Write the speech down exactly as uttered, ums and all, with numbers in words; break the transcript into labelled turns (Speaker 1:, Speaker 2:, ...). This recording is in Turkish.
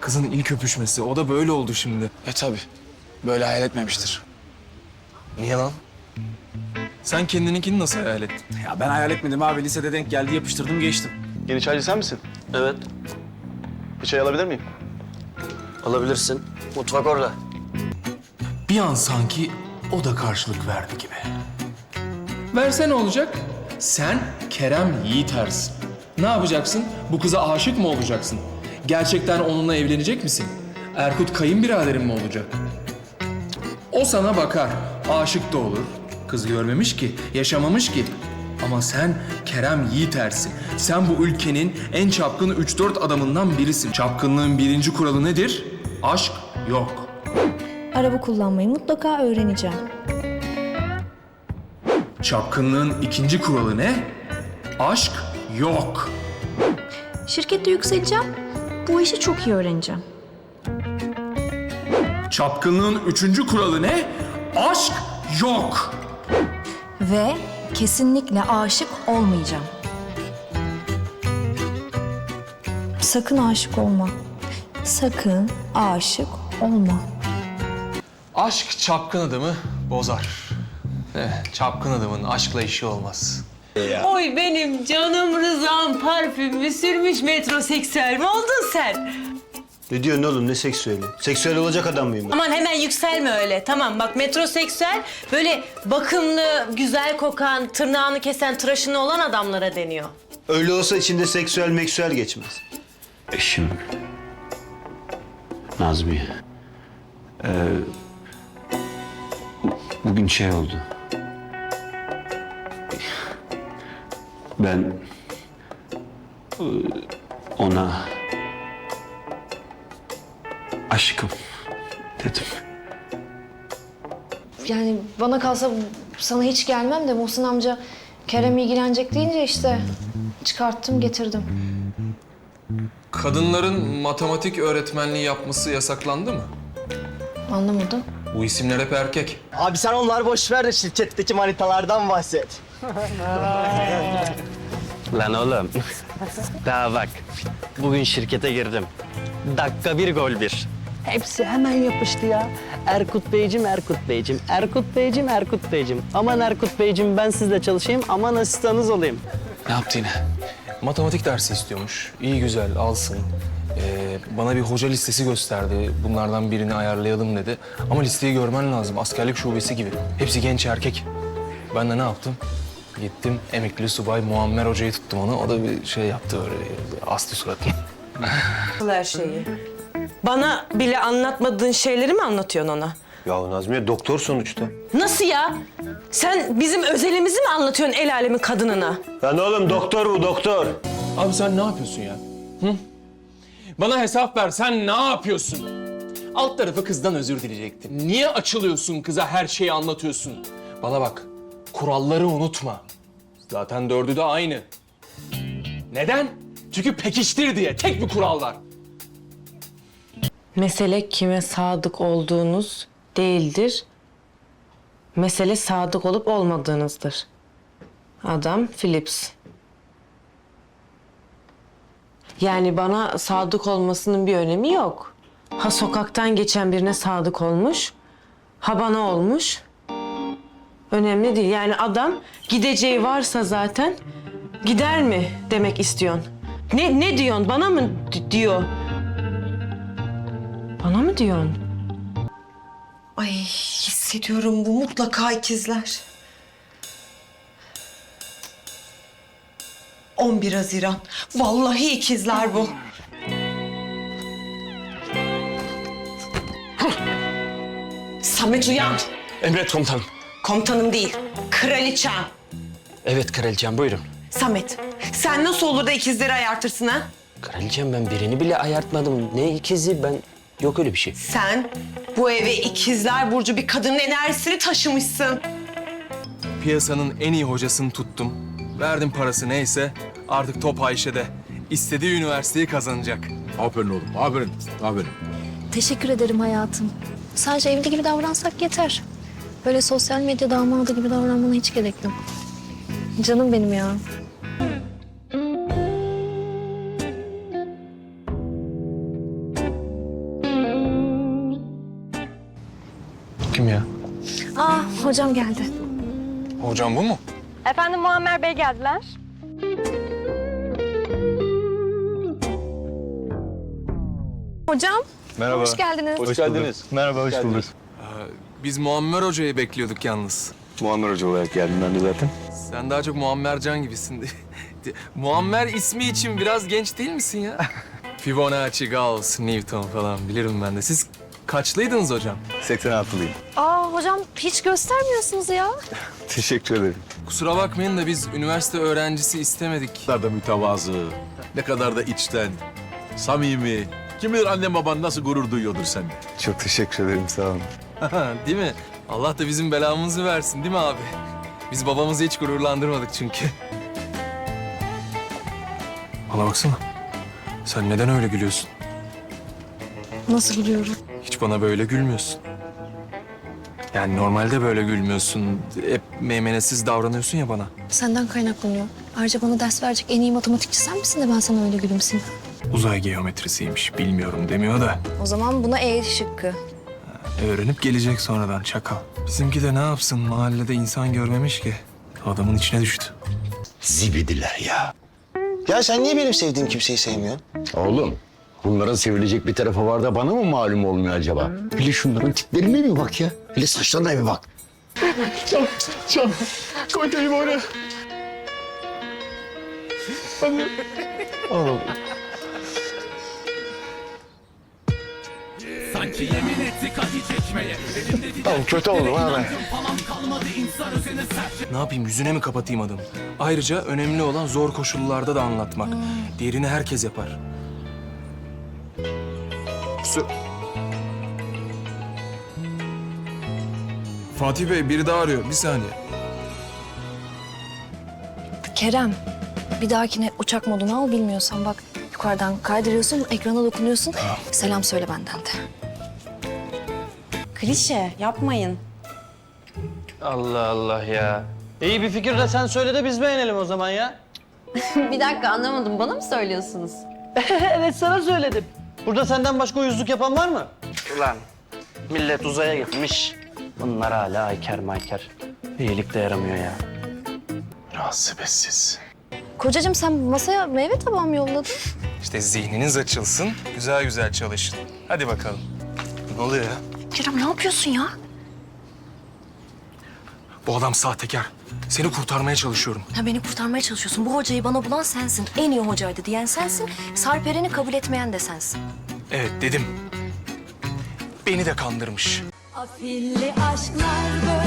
Speaker 1: kızın ilk öpüşmesi. O da böyle oldu şimdi.
Speaker 2: E tabii. Böyle hayal etmemiştir.
Speaker 1: Niye lan? Sen kendininkini nasıl hayal ettin?
Speaker 2: Ya ben hayal etmedim abi. Lisede denk geldi, yapıştırdım, geçtim.
Speaker 3: Yeni çaycı sen misin?
Speaker 4: Evet,
Speaker 3: Bir çay alabilir miyim?
Speaker 4: alabilirsin. Mutfak orada.
Speaker 5: Bir an sanki o da karşılık verdi gibi. Verse ne olacak? Sen Kerem Yiğitersin. Ne yapacaksın? Bu kıza aşık mı olacaksın? Gerçekten onunla evlenecek misin? Erkut kayınbiraderin mi olacak? O sana bakar, aşık da olur. Kız görmemiş ki, yaşamamış ki. Ama sen Kerem Yiğitersin. Sen bu ülkenin en çapkın üç dört adamından birisin. Çapkınlığın birinci kuralı nedir? Aşk yok.
Speaker 6: Araba kullanmayı mutlaka öğreneceğim.
Speaker 5: Çapkınlığın ikinci kuralı ne? Aşk yok.
Speaker 6: Şirkette yükseleceğim. Bu işi çok iyi öğreneceğim.
Speaker 5: Çapkınlığın üçüncü kuralı ne? Aşk yok.
Speaker 6: Ve kesinlikle aşık olmayacağım. Sakın aşık olma. Sakın aşık olma.
Speaker 1: Aşk çapkın adamı bozar. Eh, çapkın adamın aşkla işi olmaz.
Speaker 7: Oy benim canım Rıza'm parfümü sürmüş metroseksüel mi oldun sen?
Speaker 4: Ne diyorsun oğlum, ne seksüeli? Seksüel olacak adam mıyım ben?
Speaker 7: Aman hemen yükselme öyle. Tamam bak metroseksüel böyle bakımlı, güzel kokan, tırnağını kesen, tıraşını olan adamlara deniyor.
Speaker 4: Öyle olsa içinde seksüel meksüel geçmez. Eşim. Nazmiye. Ee, bugün şey oldu. Ben e, ona aşkım dedim.
Speaker 6: Yani bana kalsa sana hiç gelmem de Muhsin amca Kerem ilgilenecek deyince işte çıkarttım getirdim.
Speaker 1: Kadınların matematik öğretmenliği yapması yasaklandı mı?
Speaker 6: Anlamadım.
Speaker 1: Bu isimler hep erkek.
Speaker 8: Abi sen onları boş ver de şirketteki manitalardan bahset.
Speaker 9: Lan oğlum, daha bak. Bugün şirkete girdim. Dakika bir, gol bir. Hepsi hemen yapıştı ya. Erkut Beyciğim, Erkut Beyciğim, Erkut Beyciğim, Erkut Beyciğim. Aman Erkut Beyciğim ben sizle çalışayım, aman asistanınız olayım.
Speaker 1: Ne yaptı yine? Matematik dersi istiyormuş. İyi güzel alsın. Ee, bana bir hoca listesi gösterdi. Bunlardan birini ayarlayalım dedi. Ama listeyi görmen lazım. Askerlik şubesi gibi. Hepsi genç erkek. Ben de ne yaptım? Gittim emekli subay Muammer Hoca'yı tuttum onu. O da bir şey yaptı böyle. Astı suratını.
Speaker 7: Her şeyi. Bana bile anlatmadığın şeyleri mi anlatıyorsun ona?
Speaker 4: Ya Nazmiye doktor sonuçta.
Speaker 7: Nasıl ya? Sen bizim özelimizi mi anlatıyorsun el alemin kadınına?
Speaker 4: Lan oğlum doktor bu doktor.
Speaker 5: Abi sen ne yapıyorsun ya? Hı? Bana hesap ver, sen ne yapıyorsun? Alt tarafı kızdan özür dileyecektin. Niye açılıyorsun kıza, her şeyi anlatıyorsun? Bana bak, kuralları unutma. Zaten dördü de aynı. Neden? Çünkü pekiştir diye tek bir kural var.
Speaker 7: Mesele kime sadık olduğunuz değildir. Mesele sadık olup olmadığınızdır. Adam Phillips. Yani bana sadık olmasının bir önemi yok. Ha sokaktan geçen birine sadık olmuş, ha bana olmuş. Önemli değil. Yani adam gideceği varsa zaten gider mi demek istiyorsun? Ne ne diyorsun? Bana mı di- diyor? Bana mı diyorsun?
Speaker 10: Ay hissediyorum bu mutlaka ikizler. on bir Haziran. Vallahi ikizler bu. Samet uyan.
Speaker 9: Emret komutanım.
Speaker 10: Komutanım değil, kraliçem.
Speaker 9: Evet kraliçem, buyurun.
Speaker 10: Samet, sen nasıl olur da ikizleri ayartırsın ha?
Speaker 9: Kraliçem ben birini bile ayartmadım. Ne ikizi ben... Yok öyle bir şey.
Speaker 10: Sen bu eve ikizler burcu bir kadının enerjisini taşımışsın.
Speaker 1: Piyasanın en iyi hocasını tuttum. Verdim parası neyse. Artık top Ayşe'de. İstediği üniversiteyi kazanacak.
Speaker 3: Aferin oğlum, aferin, aferin.
Speaker 6: Teşekkür ederim hayatım. Sadece evli gibi davransak yeter. Böyle sosyal medya damadı gibi davranmana hiç gerek yok. Canım benim ya.
Speaker 1: kim ya?
Speaker 6: Aa hocam geldi.
Speaker 1: Hocam bu mu?
Speaker 11: Efendim Muammer Bey geldiler.
Speaker 6: Hocam
Speaker 1: Merhaba.
Speaker 6: hoş geldiniz.
Speaker 3: Hoş geldiniz.
Speaker 1: Merhaba, hoş bulduk.
Speaker 5: Biz Muammer Hoca'yı bekliyorduk yalnız.
Speaker 3: Muammer Hoca olarak geldim ben de zaten.
Speaker 5: Sen daha çok Muammer Can gibisin. Muammer ismi için biraz genç değil misin ya? Fibonacci, Gauss, Newton falan bilirim ben de. Siz kaçlıydınız hocam?
Speaker 3: seksen altılıyım.
Speaker 6: Aa hocam hiç göstermiyorsunuz ya.
Speaker 3: Teşekkür ederim.
Speaker 5: Kusura bakmayın da biz üniversite öğrencisi istemedik.
Speaker 3: Ne kadar da mütevazı, ne kadar da içten, samimi. Kim bilir annem baban nasıl gurur duyuyordur sende.
Speaker 1: Çok teşekkür ederim, sağ olun.
Speaker 5: Değil mi? Allah da bizim belamızı versin değil mi abi? Biz babamızı hiç gururlandırmadık çünkü. Bana baksana. Sen neden öyle gülüyorsun?
Speaker 6: Nasıl biliyorum?
Speaker 5: Hiç bana böyle gülmüyorsun. Yani normalde böyle gülmüyorsun. Hep meymenetsiz davranıyorsun ya bana.
Speaker 6: Senden kaynaklanıyor. Ayrıca bana ders verecek en iyi matematikçi sen misin de ben sana öyle gülümseyim.
Speaker 5: Uzay geometrisiymiş, bilmiyorum demiyor da.
Speaker 6: O zaman buna E şıkkı.
Speaker 5: Öğrenip gelecek sonradan çakal. Bizimki de ne yapsın? Mahallede insan görmemiş ki. Adamın içine düştü.
Speaker 3: Zibidiler ya.
Speaker 8: Ya sen niye benim sevdiğim kimseyi sevmiyorsun?
Speaker 12: Oğlum, bunların sevilecek bir tarafı var da bana mı malum olmuyor acaba? Hele şunların tiplerine bir bak ya. Hele saçlarına bir bak.
Speaker 8: Tamam kötü oldum ha ben.
Speaker 5: Ne yapayım, yüzüne mi kapatayım adamı? Ayrıca önemli olan zor koşullarda da anlatmak. Diğerini herkes yapar. Su- Fatih Bey, biri daha arıyor. Bir saniye.
Speaker 6: Kerem, bir dahakine uçak modunu al bilmiyorsan bak yukarıdan kaydırıyorsun, ekrana dokunuyorsun. Selam söyle benden de.
Speaker 10: Klişe yapmayın.
Speaker 9: Allah Allah ya. İyi bir fikir de sen söyle de biz beğenelim o zaman ya.
Speaker 10: Bir dakika anlamadım. Bana mı söylüyorsunuz?
Speaker 9: Evet sana söyledim. Burada senden başka uyuzluk yapan var mı? Ulan millet uzaya gitmiş. Bunlar hala ayker mayker. İyilik de yaramıyor ya.
Speaker 3: Münasibetsiz.
Speaker 6: Kocacığım sen masaya meyve tabağı mı yolladın?
Speaker 5: İşte zihniniz açılsın, güzel güzel çalışın. Hadi bakalım. Ne oluyor ya?
Speaker 6: Kerem ne yapıyorsun ya?
Speaker 5: Bu adam sahtekar. Seni kurtarmaya çalışıyorum.
Speaker 6: Ha, beni kurtarmaya çalışıyorsun. Bu hocayı bana bulan sensin. En iyi hocaydı diyen sensin. Sarperen'i kabul etmeyen de sensin.
Speaker 5: Evet dedim. Beni de kandırmış.
Speaker 11: Afilli aşklar böyle.